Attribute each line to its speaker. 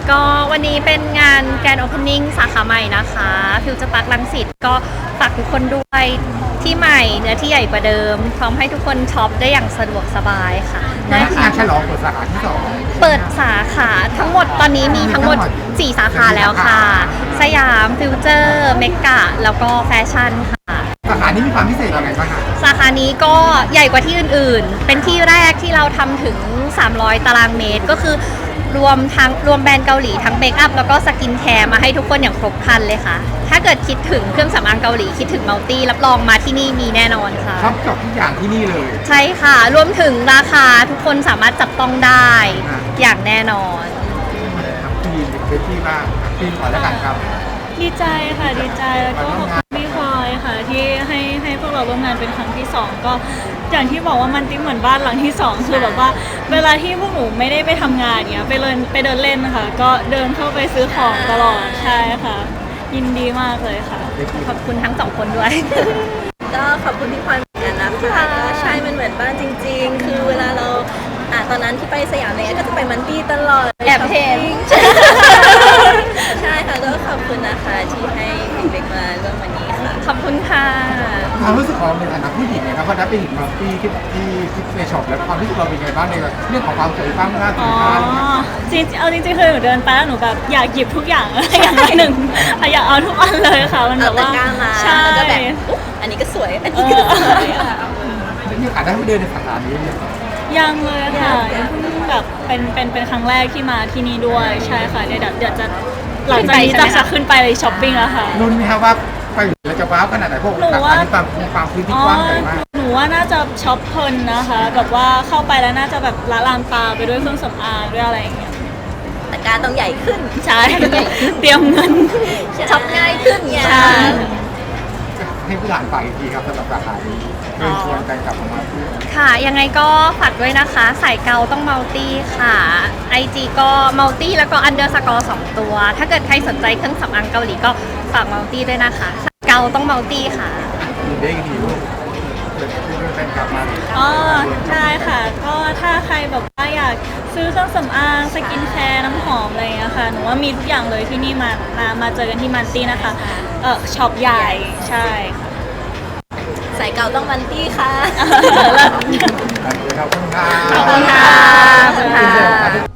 Speaker 1: ก็วันนี้เป็นงานแกรนด์โอเพนนิ่งสาขาใหม่นะคะฟิวเจอร์พาร์ครังสิตก็ฝากทุกคนด้วยที่ใหม่เนื้อที่ใหญ่กว่าเดิมพร้อมให้ทุกคนช็อปได้อย่างสะดวกสบายค่ะ
Speaker 2: งานฉลองเปิดสาขาที่ 2
Speaker 1: เปิดสาขาทั้งหมดตอนนี้มีทั้งหมด 4 สาขาแล้วค่ะ สยามฟิวเจอร์เมกะแล้วก็แฟชั่นค่ะ
Speaker 2: สาขานี้มีความพิเศษยังไงบ้างคะ
Speaker 1: สาขานี้ก็ใหญ่กว่าที่อื่นๆ เป็นที่แรกที่เราทำถึง 300 ตารางเมตร ก็คือรวมแบรนด์เกาหลีทั้งเมคอัพแล้วก็สกินแคร์มาให้ทุกคนอย่างครบครันเลยค่ะ ถ้าเกิดคิดถึงเครื่องสำอางเกาหลีคิดถึงมัลตี้รับรองมาที่นี่มีแน่นอนค่ะ
Speaker 2: ครบจบทุกอย่างที่นี่เลย
Speaker 1: ใช่ค่ะ รวมถึงราคาทุกคนสามารถจับต้องได้อย่างแน่นอน
Speaker 2: ทั้งทีมเป็นที่มากทีมขอแล้วกันครับ
Speaker 3: ดีใจค่ะดีใจแล้วก็ขอบคุณพี่พลอยค่ะที่ให้พวกเราร่วมงานเป็นครั้งที่ 2ก็อย่างที่บอกว่ามันติ๊มเหมือนบ้านหลังที่ 2คือแบบว่าเวลาที่พวกหนูไม่ได้ไปทำงานเนี้ยไปเดินเล่นนะคะก็เดินเข้าไปซื้อของตลอดใช่ค่ะ ยินดีมากเลยค่ะ
Speaker 1: ขอบคุณทั้งสองคนด้วย
Speaker 4: ก็ขอบคุณพี่พลอยเหมือนกันนะคะก็ใช่ มันเหมือนบ้านจริง ๆ คือเวลาเราตอนนั้นที่ไปสยามเนี่ยก็จะไปมันตี้ตลอด
Speaker 1: แอบเห็น
Speaker 4: ใช่ค่ะก็ขอบคุณนะคะที่ให้เด็กๆมาร่วมวันนี้ค่ะ
Speaker 1: ขอบคุณค่ะ
Speaker 2: ความรู้สึกของเราในฐานะผู้หญิงนะครับเพราะนับเป็นหญิงมัลตี้ที่ในช็อปแล้วความรู้สึกเราเป็นยังไงบ้างในเรื่องของความสวยความงามสิ
Speaker 3: อ๋
Speaker 2: น
Speaker 3: อ
Speaker 2: ค้าอะไรเงี้ย
Speaker 3: จริงเอาจริงๆคือหนูเดินไปแล้วหนูแบบอยากหยิบทุกอย่าง อย่างละหนึ่งอยากเอาทุกอันเลยค่ะมันแบ
Speaker 4: เอา
Speaker 3: บ
Speaker 4: ตะ
Speaker 3: ว่าก
Speaker 4: ร้ามา
Speaker 3: ใช่
Speaker 4: แล้วก็แบบอุ๊ยอันนี้ก็สวย อันนี้ก็สวยค่ะ
Speaker 2: มีโอกาสได้ไปเดินในสาขานี้เนี่ย
Speaker 3: ยังเลยค่ะยังเพิ่งแบบเป็นครั้งแรกที่มาที่นี่ด้วยใช่ค่ะเดี๋ยวจะหลังจากนี้
Speaker 1: ขึ้นไปใช่ไหมคะ
Speaker 3: จะขึ้นไปช้อปปิ้งแล้วค่ะ
Speaker 2: รุ่นไหมครับว่าไปแล้วจะว้าวขนาดไหนพวก
Speaker 3: หนู
Speaker 2: สา
Speaker 3: ว่า
Speaker 2: ขานี้ความพื้นที่กว้างใหญ่มาก
Speaker 3: หนูว่าน่าจะช็อปเพลินนะคะแบบว่าเข้าไปแล้วน่าจะแบบละลานตาไปด้วยเครื่องสำอางด้วยอะไรอย่างเงี้ย
Speaker 4: ตะกร้าต้องใหญ่ขึ้น
Speaker 3: ใช่เตรียมเงิน
Speaker 4: ช็อปง่ายขึ้นไง
Speaker 3: ใช่
Speaker 2: ให้ผู้หลานฝากอีกทีครับสำหรับสาขานี้เชิญชวนกันกลับมาที่
Speaker 1: ค่ะ ยังไงก็ฝากด้วยนะคะ สายเกาต้องมัลตี้ค่ะ IG ก็มัลตี้แล้วก็_2 ตัว ถ้าเกิดใครสนใจเครื่องสำอางเกาหลีก็ฝากมัลตี้ด้วยนะคะสายเกาต้องมัลตี้ค่ะ
Speaker 2: ดีได้ดีลูกเกิดขึ้นแฟนกลับมา
Speaker 3: อ๋อใช่ค่ะ ก็ถ้าใครแบบว่าอยากซื้อเครื่องสำอางสกินแคร์น้ำหอมอะไรอย่างเงี้ยค่ะหนูว่ามีทุกอย่างเลยที่นี่มาเจอกันที่มันตี้นะคะช็อปใหญ่ใช่ค่ะ
Speaker 4: สายเก่าต้องมันตี้ค่ะ
Speaker 2: ขอบคุณครับ
Speaker 1: ขอบคุณค่ะขอบคุณค่ะ